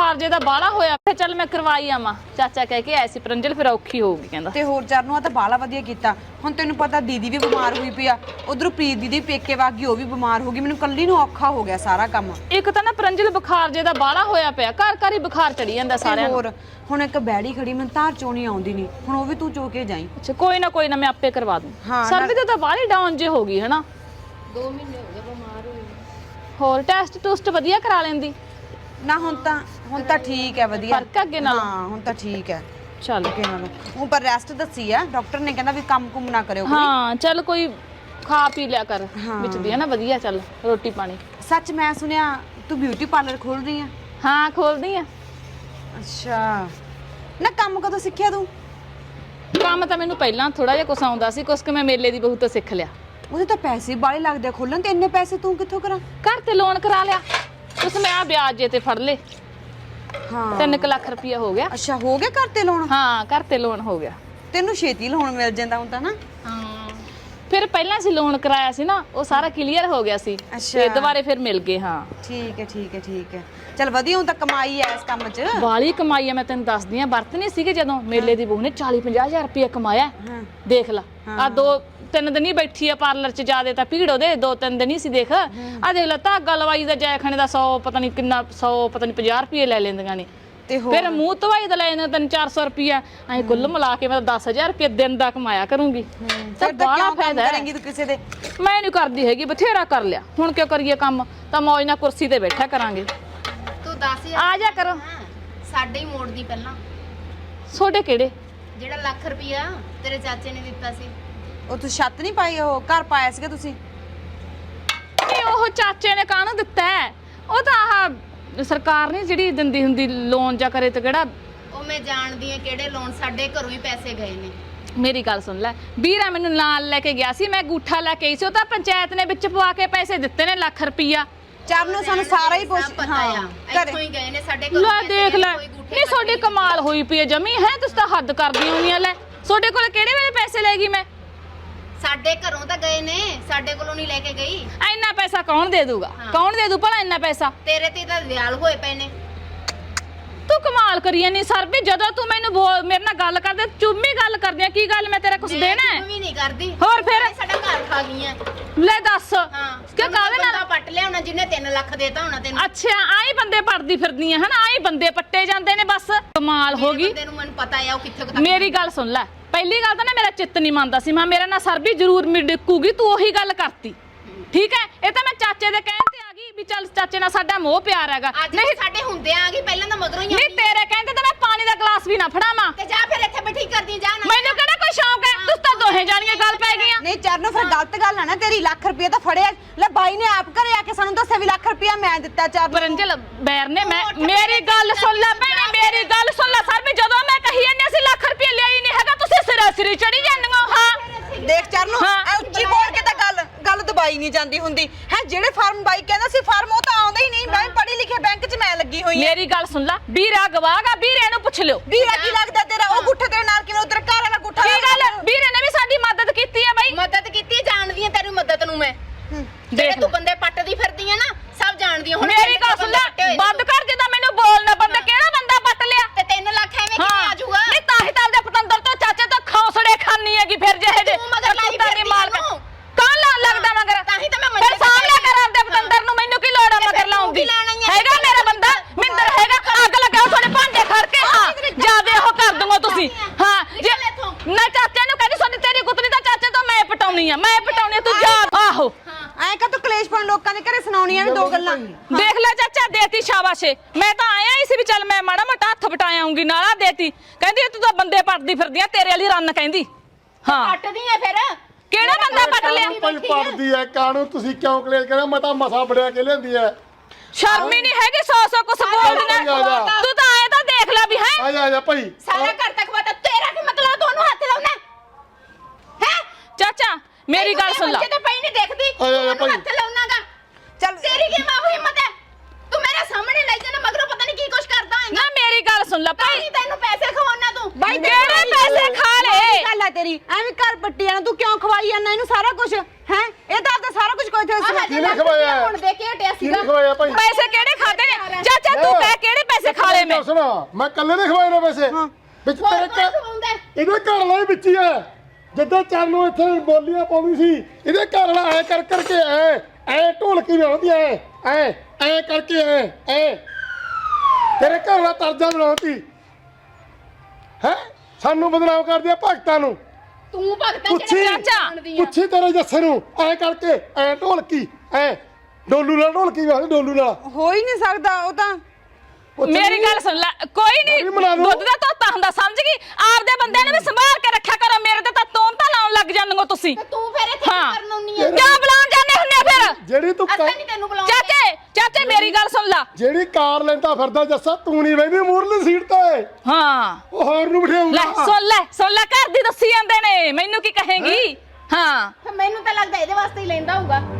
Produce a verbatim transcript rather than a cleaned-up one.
बुखार जे दा बाला होया फिर चल मैं करवाई आवां चाचा कह के ऐसी परंजल फिर औखी होगी कहंदा ते होर चरनों आ तां बाला वधिया कीता हुण तैनूं पता दीदी भी बीमार हुई पई आ उधरों प्रीत दीदी पेके वागी ओ भी बीमार हो गई मैनूं कल्ली नूं औखा हो गया सारा काम एक तां ना परंजल बुखार जे दा बाला होया पिया घर घर ही बुखार चढ़ी जांदा सारिਆਂ ਨੂੰ होर हुण एक बैड़ी खड़ी मैं धार चोणी आउंदी नहीं हुण ओ भी तू चो के जाई अच्छा कोई ना कोई ना मैं आपे करवा दूं हाँ सर्दी तो बाली डाउन जे हो गई है ना दो महीने हो गए बीमार हुई होर टेस्ट टूस्ट वधिया करा लेंदी ना हुण तां हुण तां ठीक है वधिया फर्क है अगे नालों हां हुण तां ठीक है चल अगे नालों हूं पर रेस्ट दसी है डॉक्टर ने कहंदा भी काम कुम ना करियो हाँ चल कोई खा पी लिया कर हाँ। विच दी है ना वधिया चल रोटी पानी सच मैं सुनिया तू ब्यूटी पार्लर खोल रही है हाँ खोल दी है अच्छा ना काम कदों सिੱਖਿਆ तू ਕੰਮ ਤਾਂ ਮੈਨੂੰ ਪਹਿਲਾਂ ਥੋੜਾ ਜਿਹਾ ਕੁਛ ਆਉਂਦਾ ਸੀ ਕੁਛ ਕਿ ਮੈਂ ਮੇਲੇ ਦੀ ਬਹੁਤ ਸਿੱਖ ਲਿਆ ਉਹਦੇ ਤਾਂ ਪੈਸੇ ਬਾਲੇ ਲੱਗਦੇ ਖੋਲਣ ਤੇ ਇੰਨੇ ਪੈਸੇ ਤੂੰ ਕਿੱਥੋਂ ਕਰਾਂ ਘਰ ਤੇ ਲੋਨ ਕਰਾ ਲਿਆ ਉਸ ਮੈਂ ਆ ਵਿਆਜ ਜੇ ਤੇ ਫੜ ਲੇ ਹਾਂ ਤਿੰਨ ਲੱਖ ਰੁਪਇਆ ਹੋ ਗਿਆ ਅੱਛਾ ਹੋ ਗਿਆ ਘਰ ਤੇ ਲੋਨ ਹਾਂ ਘਰ ਤੇ ਲੋਨ ਹੋ ਗਿਆ ਤੈਨੂੰ ਛੇਤੀ ਲੋਨ ਮਿਲ ਜਾਂਦਾ ਹੁਣ ਤਾਂ ਨਾ ਹਾਂ ਫਿਰ ਪਹਿਲਾਂ ਸੀ ਲੋਨ ਕਰਾਇਆ ਸੀ ਨਾ ਉਹ ਸਾਰਾ ਕਲੀਅਰ ਹੋ ਗਿਆ ਸੀ ਤੇ ਦੁਬਾਰੇ ਫਿਰ ਮਿਲ ਗਏ ਹਾਂ ਠੀਕ ਹੈ ਠੀਕ ਹੈ ਠੀਕ ਹੈ ਚਲ ਵਧੀਆ ਹੁਣ ਤਾਂ ਕਮਾਈ ਐ ਇਸ ਕੰਮ 'ਚ ਵਾਲੀ ਕਮਾਈ ਆ ਮੈਂ ਤੈਨੂੰ ਦੱਸਦੀ ਆ ਵਰਤ ਨਹੀਂ ਸੀਗੇ ਜਦੋਂ ਮੇਲੇ ਦੀ ਬਹੂ ਨੇ ਚਾਲੀ ਪੰਜਾਹ ਹਜ਼ਾਰ ਰੁਪਇਆ ਕਮਾਇਆ ਹਾਂ ਦੇਖ ਲਾ ਆ ਦੋ ਤਿੰਨ ਦਿਨ ਹੀ ਬੈਠੀ ਆ ਪਾਰਲਰ 'ਚ ਜਾਦੇ ਤਾਂ ਭੀੜ ਉਹਦੇ ਦੋ ਤਿੰਨ ਦਿਨ ਹੀ ਸੀ ਦੇਖ ਆ ਦੇਖ ਲਾ ਧਾਗਾ ਲਵਾਈ ਦਾ ਜੈਖਣੇ ਦਾ ਸੌ ਪਤਾ ਨਹੀਂ ਕਿੰਨਾ ਸੌ ਪਤਾ ਨਹੀਂ ਪੰਜਾਹ ਰੁਪਏ ਲੈ ਲੈਂਦੀਆਂ ਨੇ ਤੇ ਹੋਰ ਫਿਰ ਮੂੰਹ ਧਵਾਈ ਦਾ ਲੈ ਜਾਂਦਾ ਤਿੰਨ ਚਾਰ ਸੌ ਰੁਪਇਆ ਐ ਕੁੱਲ ਮਿਲਾ ਕੇ ਮੈਂ ਦਸ ਹਜ਼ਾਰ ਰੁਪਏ ਦਿਨ ਦਾ ਕਮਾਇਆ ਕਰੂੰਗੀ ਫਿਰ ਤਾਂ ਕਿਉਂ ਕੰਮ ਕਰੇਂਗੀ ਤੂੰ ਕਿਸੇ ਦੇ ਮੈਂ ਨਹੀਂ ਕਰਦੀ ਹੈਗੀ ਬਥੇਰਾ ਕਰ ਲਿਆ ਹੁਣ ਕਿਉਂ ਕਰੀਏ ਕੰਮ ਤਾਂ ਮੌਜ ਨਾਲ ਕੁਰਸੀ ਤੇ ਬੈਠਾ ਕਰਾਂਗੇ ਤੂੰ ਦਸ ਹਜ਼ਾਰ ਆ ਜਾ ਕਰੋ ਸਾਡੇ ਹੀ ਮੋੜਦੀ ਪਹਿਲਾਂ ਛੋਟੇ ਕਿਹੜੇ ਜਿਹੜਾ ਲੱਖ ਰੁਪਇਆ ਤੇਰੇ ਚਾਚੇ ਨੇ ਦਿੱਤਾ ਸੀ ਉਹ ਤੂੰ ਛੱਤ ਨਹੀਂ ਪਾਈ ਉਹ ਘਰ ਪਾਇਆ ਸੀਗਾ ਤੁਸੀਂ ਨਹੀਂ ਉਹ ਚਾਚੇ ਨੇ ਕਾਹਨੂੰ ਦਿੱਤਾ ਹੈ? ਉਹ ਤਾਂ ਆਹ ਸਰਕਾਰ ਨਹੀਂ ਜਿਹੜੀ ਦਿੰਦੀ ਹੁੰਦੀ ਲੋਨ ਜਾਂ ਕਰੇ ਤੇ ਕਿਹੜਾ ਉਹ ਮੈਂ ਜਾਣਦੀ ਆ ਕਿਹੜੇ ਲੋਨ ਸਾਡੇ ਘਰੋਂ ਹੀ ਪੈਸੇ ਗਏ ਨੇ ਮੇਰੀ ਗੱਲ ਸੁਣ ਲੈ ਵੀਰਾ ਮੈਨੂੰ ਨਾਲ ਲੈ ਕੇ ਗਿਆ ਸੀ ਮੈਂ ਗੂਠਾ ਲੈ ਕੇ ਆਈ ਸੀ ਉਹ ਤਾਂ ਪੰਚਾਇਤ ਨੇ ਵਿੱਚ ਪਵਾ ਕੇ ਪੈਸੇ ਦਿੱਤੇ ਨੇ ਲੱਖ ਰੁਪਈਆ ਚਰਨੋਂ ਸਾਨੂੰ ਸਾਰਾ ਹੀ ਪੁੱਛ ਪਤਾ ਆ ਇੱਥੋਂ ਹੀ ਗਏ ਨੇ ਸਾਡੇ ਘਰੋਂ ਲੈ ਦੇਖ ਲੈ ਨਹੀਂ ਤੁਹਾਡੀ ਕਮਾਲ ਹੋਈ ਪਈ ਹੈ ਜਮੀ ਹੈ ਤੁਸੀਂ ਤਾਂ ਹੱਦ ਕਰਦੀ ਹੁੰਦੀਆਂ ਲੈ ਤੁਹਾਡੇ ਕੋਲ ਕਿਹੜੇ ਵੇਲੇ ਪੈਸੇ ਲੈ ਗਈ ਮੈਂ ਸਾਡੇ ਘਰੋਂ ਤਾਂ ਗਏ ਨੇ ਸਾਡੇ ਕੋਲੋਂ ਨਹੀਂ ਲੈ ਕੇ ਗਈ ਇੰਨਾ ਪੈਸਾ ਕੌਣ ਦੇ ਦੂਗਾ ਕੌਣ ਦੇ ਦੂ ਭਲਾ ਇੰਨਾ ਪੈਸਾ ਤੇਰੇ ਤੇ ਤਾਂ ਵਿਆਲ ਹੋਏ ਪਏ ਨੇ ਤੂੰ ਕਮਾਲ ਕਰੀ ਨਹੀਂ ਸਰ ਵੀ ਜਦੋਂ ਤੂੰ ਮੈਨੂੰ ਮੇਰੇ ਨਾਲ ਗੱਲ ਕਰਦੇ ਚੁੰਮੀ ਗੱਲ ਕਰਦੀ ਆ ਕੀ ਗੱਲ ਮੈਂ ਤੇਰਾ ਕੁਝ ਦੇਣਾ ਹੈ ਵੀ ਨਹੀਂ ਕਰਦੀ ਹੋਰ ਫਿਰ ਸਾਡਾ ਘਰ ਖਾ ਗਈਆਂ ਲੈ ਦੱਸ ਹਾਂ ਕਿ ਕਾਹਦੇ ਨਾਲ ਪੱਟ ਲਿਆ ਹੋਣਾ ਜਿਹਨੇ ਤਿੰਨ ਲੱਖ ਦੇਤਾ ਹੋਣਾ ਤੈਨੂੰ ਅੱਛਾ ਆਈ ਬੰਦੇ ਪੜਦੀ ਫਿਰਦੀਆਂ ਹਨ ਆਈ ਬੰਦੇ ਪੱਟੇ ਜਾਂਦੇ ਨੇ ਬਸ ਕਮਾਲ ਹੋ ਗਈ ਬੰਦੇ ਨੂੰ ਮੈਨੂੰ ਪਤਾ ਆ ਉਹ ਕਿੱਥੇ ਤੱਕ ਮੇਰੀ ਗੱਲ ਸੁਣ ਲੈ ਪਹਿਲੀ ਗੱਲ ਤਾਂ ਨਾ ਮੇਰਾ ਚਿੱਤ ਨਹੀਂ ਮੰਨਦਾ ਸੀ ਮੈਂ ਮੇਰਾ ਨਾਲ ਸਰ ਵੀ ਜ਼ਰੂਰ ਮਿੜਕੂਗੀ ਤੂੰ ਉਹੀ ਗੱਲ ਕਰਤੀ ਠੀਕ ਹੈ ਇਹ ਤਾਂ ਮੈਂ ਚਾਚੇ ਦੇ ਕਹਿਣ ਤੇ ਆ ਗਈ ਵੀ ਚੱਲ ਚਾਚੇ ਨਾਲ ਸਾਡਾ ਮੋਹ ਪਿਆਰ ਹੈਗਾ ਨਹੀਂ ਸਾਡੇ ਹੁੰਦੇ ਆ ਗਈ ਪਹਿਲਾਂ ਤਾਂ ਮਗਰੋਂ ਹੀ ਨਹੀਂ ਤੇਰੇ ਕਹਿੰਦੇ ਤਾਂ ਮੈਂ ਪਾਣੀ ਦਾ ਗਲਾਸ ਵੀ ਨਾ ਫੜਾਵਾਂ ਤੇ ਜਾ ਫਿਰ ਇੱਥੇ ਬੈਠੀ ਕਰਦੀ ਜਾ ਨਾ ਮੈਨੂੰ ਕਿਹੜਾ ਕੋਈ ਸ਼ੌਂਕ ਹੈ ਤੁਸੀਂ ਤਾਂ ਦੋਹੇ ਜਾਣੀਆਂ ਗੱਲ ਪੈ ਗਈਆਂ ਨਹੀਂ ਚਰਨੋਂ ਫਿਰ ਗਲਤ ਗੱਲ ਆ ਨਾ ਤੇਰੀ ਲੱਖ ਰੁਪਏ ਤਾਂ ਫੜਿਆ ਲੈ ਬਾਈ ਨੇ ਆਪ ਘਰੇ ਆ ਕੇ ਸਾਨੂੰ ਦੱਸਿਆ ਵੀ ਲੱਖ ਰੁਪਏ ਮੈਂ ਦਿੱਤਾ ਚਰਨੋਂ ਪਰੰਜਲ ਬੈਰ ਨੇ ਮੈਂ ਮੇਰੀ ਗੱਲ ਸੁਣ ਲੈ ਭੈਣੇ ਮੇਰੀ ਗੱਲ ਸੁਣ ਲੈ ਸਰ ਵੀ ਜਦੋਂ ਮੈਂ ਕਹੀ ਜਾਂਦੀ ਅਸੀਂ ਲੱਖ ਰੁਪਏ ਲਿਆਈ ਨਹੀਂ ਹੈਗਾ ਤੁਸੀਂ ਸਿਰਾ ਸਿਰੀ ਚੜੀ ਜਾਂਦੀਆਂ ਹਾਂ ਦੇਖ ਚਰਨੋਂ ਐ ਉੱਚੀ ਬੋਲ ਕੇ ਤਾਂ ਗੱਲ ਗੱਲ ਦਬਾਈ ਨਹੀਂ ਜਾਂਦੀ ਹੁੰਦੀ ਹੈ ਜਿਹੜੇ ਫਾਰਮ ਬਾਈ ਕਹਿੰਦਾ ਸੀ ਫਾਰਮ ਉਹ ਤਾਂ ਆਉਂਦਾ ਹੀ ਨਹੀਂ ਮੈਂ ਪੜ੍ਹੀ ਲਿਖੇ ਬੈਂਕ 'ਚ ਮੈਂ ਲੱਗੀ ਹੋਈ ਮੇਰੀ ਗੱਲ ਸੁਣ ਲੈ ਵੀਰਾ ਗਵਾਗਾ ਵੀਰੇ ਨੂੰ ਪੁੱਛ ਲਿਓ ਵੀਰਾ ਕੀ ਲੱਗਦਾ ਤੇਰਾ ਉਹ ਗੁੱਠੇ ਤੇਰੇ ਨਾਲ ਕਿਵੇਂ ਉਧਰ ਘਰ ਵਾਲਾ ਗੁੱਠਾ ਕੀ ਗੱਲ ਵੀਰੇ ਨੇ ਵੀ ਸਾਡੀ ਮਦਦ ਕੀਤੀ ਹੈ ਬਾਈ ਮਦਦ ਕੀਤੀ ਜਾਣਦੀ ਆ ਤੇਰੀ ਮਦਦ ਨੂੰ ਮੈਂ ਜਿਹੜੇ ਤੂੰ ਬੰਦੇ ਪੱਟਦੀ ਫਿਰਦੀ ਆ ਨਾ ਸਭ ਜਾਣਦੀ ਹੁਣ ਮੇਰੀ ਗੱਲ ਸੁਣ ਲੈ ਬੰਦ ਕਰ ਜੇ ਤਾਂ ਮੈਨੂੰ ਬੋਲਣਾ ਬੰਦਾ ਕਿਹੜਾ ਬੰਦਾ ਪੱਟ ਲਿਆ ਤੇ ਤਿੰਨ ਲੱਖ ਐਵੇਂ ਕਿਵੇਂ ਆ ਜਾਊਗਾ ਨਹੀਂ ਤਾਂ ਹੀ ਤਾਂ ਦੇ ਪਤੰਦਰ ਤੋਂ ਚਾਚੇ ਤੋਂ ਖੌਸੜੇ ਖਾਨੀ ਹੈਗੀ ਫਿਰ ਜਿਹੇ ਜੇ ਤੂੰ ਮਗਰ ਲਾਈ ਫਿਰਦੀ ਮਾਲਕ ਕੌਣ ਲਾ ਲੱਗਦਾ ਮਗਰ ਤਾਂ ਹੀ ਤਾਂ ਮੈਂ ਫਿਰ ਸਾਹਮਣੇ ਕਰ ਆਪਦੇ ਪਤੰਦਰ ਨੂੰ ਮੈਨੂੰ ਕੀ ਲੋੜ ਆ ਮਗਰ ਲਾਉਣ ਦੀ ਹੈਗਾ ਮੇਰਾ ਬੰਦਾ ਮਿੰਦਰ ਹੈਗਾ ਅੱਗ ਲਗਾਓ ਤੁਹਾਡੇ ਭਾਂਡੇ ਖੜ ਕੇ ਹਾਂ ਜਿਆਦੇ ਉਹ ਕਰ ਦੂੰਗਾ ਤੁਸੀਂ ਹਾਂ ਜੇ ਨਾ ਚਾਚੇ ਨੂੰ ਕਹਿੰਦੀ ਤੁਹਾਡੀ ਤੇਰੀ ਗੁੱਤਨੀ ਤਾਂ ਚਾਚੇ ਤੋਂ ਮੈਂ ਪਟਾਉਣੀ ਆ ਮੈਂ ਪਟਾਉਣੀ ਤੂੰ ਜਾ ਆਹੋ ਐਂ ਕਾ ਤੂੰ ਕਲੇਸ਼ ਪਾਉਣ ਲੋਕਾਂ ਦੇ ਘਰੇ ਸੁਣਾਉਣੀਆਂ ਵੀ ਦੋ ਗੱਲਾਂ ਦੇਖ ਲੈ ਚਾਚਾ ਦੇਤੀ ਸ਼ਾਬਾਸ਼ੇ ਮੈਂ ਤਾਂ ਆਇਆ ਹੀ ਸੀ ਵੀ ਚੱਲ ਮੈਂ ਮਾੜਾ ਮੋਟਾ ਹੱਥ ਵਟਾਇਆ ਆਉਂਗੀ ਨਾਲਾ ਦੇਤੀ ਕਹਿੰਦੀ ਤੂੰ ਤਾਂ ਬੰਦੇ ਪੱਟਦੀ ਫਿਰਦੀ ਆ ਤੇਰੇ ਵਾਲੀ ਰੰਨ ਕਹਿੰਦੀ ਹਾਂ ਪੱਟਦੀ ਆ ਫਿਰ ਕਿਹੜਾ ਬੰਦਾ ਪੱਟ ਲਿਆ ਕੋਈ ਪੜਦੀ ਐ ਕਾਹਨੂੰ ਤੁਸੀਂ ਕਿਉਂ ਕਲੇਸ਼ ਕਰਿਆ ਮੈਂ ਤਾਂ ਮਸਾ ਬੜਿਆ ਕੇ ਲੈਂਦੀ ਐ ਸ਼ਰਮ ਹੀ ਨਹੀਂ ਹੈਗੀ ਸੌ ਸੌ ਕੁਛ ਬੋਲਦੀਆਂ ਤੂੰ ਤਾਂ ਆਏ ਤਾਂ ਦੇਖ ਲੈ ਵੀ ਹੈ ਆ ਜਾ ਆ ਜਾ ਭਾਈ ਸਾਰਾ ਘਰ ਤੱਕ ਪਤਾ ਤੇਰਾ ਕੀ ਮਤਲਬ ਦੋਨੋਂ ਹੱਥ ਲਾਉਣਾ ਹੈ ਚਾਚਾ ਮੇਰੀ ਗੱਲ ਸੁਣ ਲੈ ਤੇ ਪਈ ਨਹੀਂ ਦੇਖਦੀ ਹੱਥ ਲਾਉਣਾਗਾ ਚੱਲ ਤੇਰੀ ਕੀ ਮਾਂ ਹੋਈ ਹਿੰਮਤ ਹੈ ਤੂੰ ਮੇਰੇ ਸਾਹਮਣੇ ਲੈ ਜਾਣਾ ਮਗਰੋਂ ਪਤਾ ਨਹੀਂ ਕੀ ਕੁਛ ਕਰਦਾ ਹੈ ਨਾ ਮੇਰੀ ਗੱਲ ਸੁਣ ਲੈ ਭਾਈ ਭਾਈ ਤੈਨੂੰ ਪੈਸੇ ਖਵਾਉਣਾ ਤੂੰ ਬਾਈ ਕਿਹੜੇ ਪੈਸੇ ਖਾ ਲਏ ਗੱਲ ਆ ਤੇਰੀ ਐਵੇਂ ਘਰ ਪੱਟੀ ਜਾਣਾ ਤੂੰ ਕਿਉਂ ਖਵਾਈ ਜਾਂਦਾ ਇਹਨੂੰ ਸਾਰਾ ਕੁਝ ਹੈ ਇਹ ਤਾਂ ਆਪਦਾ ਸਾਰਾ ਕੁਝ ਕੋਈ ਤੇ ਕਿਹਨੇ ਖਵਾਇਆ ਹੁਣ ਦੇ ਕੇ ਹਟਿਆ ਸੀਗਾ ਕਿਹਨੇ ਖਵਾਇਆ ਭਾਈ ਪੈਸੇ ਕਿਹੜੇ ਖਾਦੇ ਨੇ ਚਾਚਾ ਤੂੰ ਕਹਿ ਕਿਹੜੇ ਪੈਸੇ ਖਾ ਲਏ ਮੈਂ ਸੁਣਾ ਮੈਂ ਕੱਲੇ ਨੇ ਖਵਾਏ ਨੇ ਵੈਸੇ ਵਿੱਚ ਹੋਰ ਤੇਰੇ ਕੌਣ ਘਰ ਖਵਾਉਂਦਾ ਹੈ? ਇਹਦੇ ਘਰ ਵਾਲਾ ਹੀ ਵਿੱਚ ਹੀ ਹੈ ਜਿੱਦਾਂ ਚਰਨ ਨੂੰ ਇੱਥੇ ਬੋਲੀਆਂ ਪਾਉਂਦੀ ਸੀ ਇਹਦੇ ਘਰ ਵਾਲਾ ਐ ਕਰ ਕਰਕੇ ਐ ਐ ਢੋਲਕੀ ਬਣਾਉਂਦੀ ਐ ਐ ਐ ਕਰਕੇ ਐ ਐ ਤੇਰੇ ਘਰ ਵਾਲਾ ਤਰਜਾ ਬਣਾਉਂਦੀ ਹੈ ਸਾਨੂੰ ਬਦਨਾਮ ਕਰਦੀ ਆ ਭਗਤਾਂ ਨੂੰ ਤੂੰ ਭਗਤਾਂ ਪੁੱਛੀ ਜਿਹੜੇ ਚਾਚਾ, ਜਾਣਦੀ ਆ। ਪੁੱਛੀ ਤੇਰੇ ਜੱਸੇ ਨੂੰ ਐ ਕਰਕੇ ਐ ਢੋਲਕੀ ਐ ਡੋਲੂ ਨਾਲ ਢੋਲਕੀ ਵਾਲੇ ਡੋਲੂ ਨਾਲ ਹੋ ਹੀ ਨਹੀਂ ਸਕਦਾ ਉਹ ਤਾਂ ਪੁੱਛ ਮੇਰੀ ਲਈ। ਗੱਲ ਸੁਣ ਲੈ ਕੋਈ ਨਹੀਂ ਅਰੇ ਬਣਾ ਲਓ। ਦੁੱਧ ਦਾ ਧੋਤਾ ਹੁੰਦਾ ਸਮਝ ਗਈ ਆਪਦੇ ਬੰਦਿਆਂ ਨੂੰ ਵੀ ਸੰਭਾਲ ਕੇ ਰੱਖਿਆ ਕਰੋ ਮੇਰੇ ਤੇ ਤਾਂ ਤੋਮ ਤਾਂ ਲਾਉਣ ਲੱਗ ਜਾਂਦੇ ਹੋ ਤੁਸੀਂ ਤੇ ਤੂੰ ਫਿਰ ਇੱਥੇ ਕੀ ਹਾਂ। ਕਰਨ ਆਉਣੀ ਆ ਕਿਉਂ ਬੁਲਾਉਣ ਜਾਂਦੇ ਹੁੰਦੇ ਆ ਫਿਰ ਜਿਹੜੀ ਤੂੰ ਅਸਾਂ ਕਾ- ਨਹੀਂ ਤੈਨੂੰ ਬੁਲਾਉਂਦੇ ਚਾਚੇ ਚਾਚੇ ਮੇਰੀ ਗੱਲ ਸੁਣ ਲੈ ਜਿਹੜੀ ਕਾਰ ਲੈਂਦਾ ਫਿਰਦਾ ਜੱਸਾ ਤੂੰ ਨਹੀਂ ਬੈਠੀ ਮੂਰਲੀ ਸੀਟ ਤੇ ਹਾਂ ਉਹ ਹੋਰ ਨੂੰ ਲੈ ਬਿਠਾਉਂਦਾ ਸੁਣ ਲੈ ਸੁਣ ਲੈ ਘਰ ਦੀ ਦੱਸੀ ਜਾਂਦੇ ਨੇ ਮੈਨੂੰ ਕੀ ਕਹੇਗੀ ਹਾਂ ਫਿਰ ਮੈਨੂੰ ਤਾਂ ਲੱਗਦਾ ਇਹਦੇ ਵਾਸਤੇ ਹੀ ਲੈਂਦਾ ਹੋਊਗਾ